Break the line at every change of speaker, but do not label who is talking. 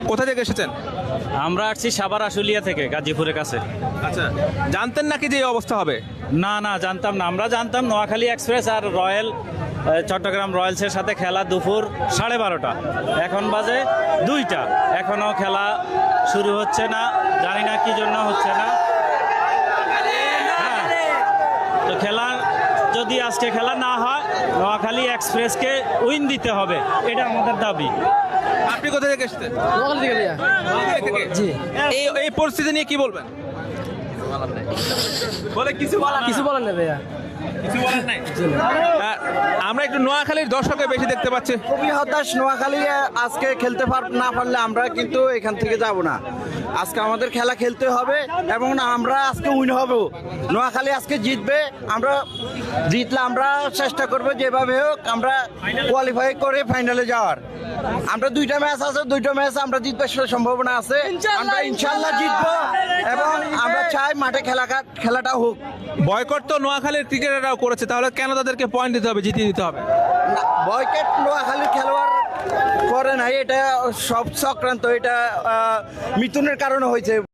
কোথা থেকে এসেছেন?
আমরা আসছি সাভার আশুলিয়া থেকে, গাজীপুরের কাছে।
আচ্ছা, জানতেন নাকি যে এই অবস্থা হবে?
না না, জানতাম না। আমরা জানতাম নোয়াখালী এক্সপ্রেস আর রয়্যাল চট্টগ্রাম রয়্যালসের সাথে খেলা দুপুর 12:30। এখন বাজে 2টা, এখনো খেলা শুরু হচ্ছে না। জানি না কি জন্য হচ্ছে না। হ্যাঁ, তো খেলা যদি আজকে খেলা না হয়, নোয়াখালী এক্সপ্রেসকে উইন দিতে হবে, এটা আমাদের দাবি।
আপনি কোথা থেকে এসেছেন?
নোয়াখালী থেকে
জি। এই পরিস্থিতি নিয়ে কি বলবেন? কিছু
বলেন না ভাইয়া।
আমরা একটু নোয়াখালীর দর্শকের বেশি দেখতে পাচ্ছি।
খুবই হতাশ। নোয়াখালী আজকে খেলতে না পারলে আমরা কিন্তু এখান থেকে যাব না। আজকে আমাদের খেলা খেলতে হবে এবং আমরা আজকে উইন হব। নোয়াখালী আজকে জিতবে। আমরা জিতলে আমরা চেষ্টা করব যেভাবে হোক আমরা কোয়ালিফাই করে ফাইনালে যাওয়ার। আমরা 2টা ম্যাচ আছে, 2টা ম্যাচ আমরা জিতবার সম্ভাবনা আছে। আমরা ইনশাল্লাহ জিতবো এবং আমরা চাই মাঠে খেলাটা হোক।
বয়কট তো নোয়াখালীর ক্রিকেটাররাও করেছে, তাহলে কেন তাদেরকে পয়েন্ট দিতে হবে, জিতিয়ে দিতে হবে?
বয়কট নোয়াখালীর খেলোয়াড় করে নাই, এটা সব চক্রান্ত। এটা মিথুনের কারণে হয়েছে।